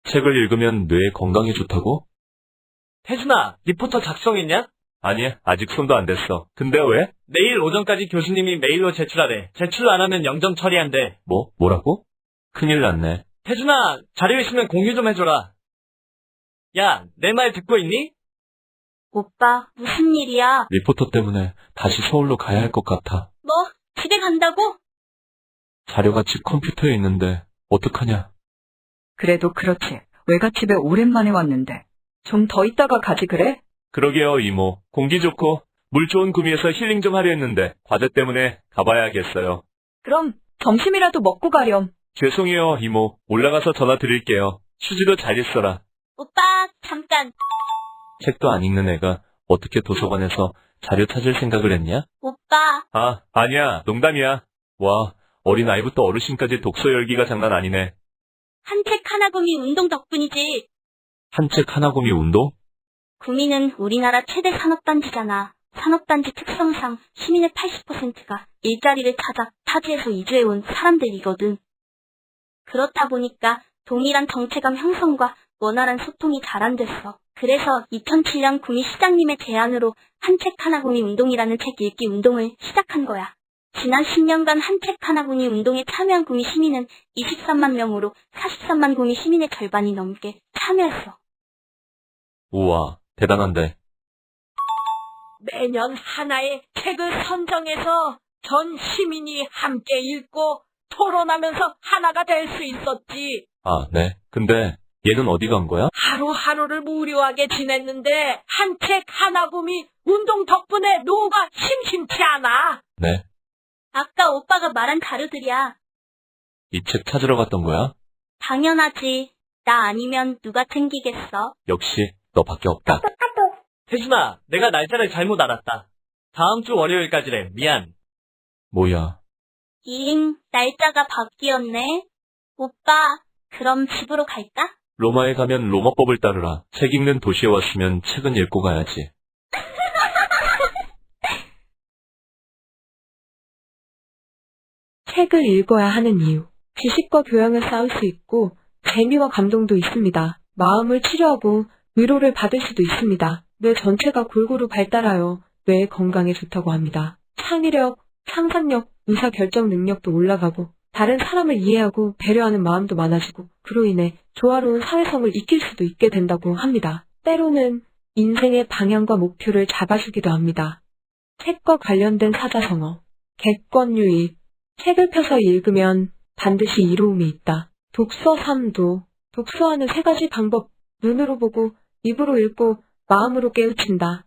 책을 읽으면 뇌에 건강에 좋다고? 태준아, 리포터 작성했냐? 아니, 아직 손도 안 댔어. 근데 왜? 내일 오전까지 교수님이 메일로 제출하래. 제출 안 하면 영점 처리한대. 뭐라고? 큰일 났네. 태준아, 자료 있으면 공유 좀 해줘라. 야, 내 말 듣고 있니? 오빠, 무슨 일이야? 리포터 때문에 다시 서울로 가야 할 것 같아. 뭐, 집에 간다고? 자료가 집 컴퓨터에 있는데 어떡하냐? 그래도 그렇지. 외갓집에 오랜만에 왔는데. 좀 더 있다가 가지 그래? 그러게요, 이모. 공기 좋고 물 좋은 구미에서 힐링 좀 하려 했는데 과제 때문에 가봐야겠어요. 그럼 점심이라도 먹고 가렴. 죄송해요, 이모. 올라가서 전화 드릴게요. 휴지도 잘 있어라. 오빠, 잠깐. 책도 안 읽는 애가 어떻게 도서관에서 자료 찾을 생각을 했냐? 오빠, 아니야. 농담이야. 와, 어린아이부터 어르신까지 독서 열기가 장난 아니네. 한 책 하나 구미 운동 덕분이지. 한 책 하나 구미 운동? 구미는 우리나라 최대 산업단지잖아. 산업단지 특성상 시민의 80%가 일자리를 찾아 타지에서 이주해온 사람들이거든. 그렇다 보니까 동일한 정체감 형성과 원활한 소통이 잘 안 됐어. 그래서 2007년 구미 시장님의 제안으로 한 책 하나 구미 운동이라는 책 읽기 운동을 시작한 거야. 지난 10년간 한 책 하나 구미 운동에 참여한 구미 시민은 23만 명으로 43만 구미 시민의 절반이 넘게 참여했어. 우와, 대단한데. 매년 하나의 책을 선정해서 전 시민이 함께 읽고 토론하면서 하나가 될 수 있었지. 네. 근데 얘는 어디 간 거야? 하루하루를 무료하게 지냈는데 한 책 하나 구미 운동 덕분에 노후가 심심치 않아. 네. 아까 오빠가 말한 자료들이야. 이 책 찾으러 갔던 거야? 당연하지. 나 아니면 누가 챙기겠어? 역시 너밖에 없다. 태준아, 내가 날짜를 잘못 알았다. 다음 주 월요일까지래. 미안. 뭐야? 날짜가 바뀌었네. 오빠, 그럼 집으로 갈까? 로마에 가면 로마법을 따르라. 책 읽는 도시에 왔으면 책은 읽고 가야지. 책을 읽어야 하는 이유. 지식과 교양을 쌓을 수 있고 재미와 감동도 있습니다. 마음을 치료하고 위로를 받을 수도 있습니다. 뇌 전체가 골고루 발달하여 뇌 건강에 좋다고 합니다. 창의력, 상상력, 의사결정 능력도 올라가고 다른 사람을 이해하고 배려하는 마음도 많아지고 그로 인해 조화로운 사회성을 익힐 수도 있게 된다고 합니다. 때로는 인생의 방향과 목표를 잡아주기도 합니다. 책과 관련된 사자성어. 객관유익. 책을 펴서 읽으면 반드시 이로움이 있다. 독서 삼도. 독서하는 세 가지 방법. 눈으로 보고, 입으로 읽고, 마음으로 깨우친다.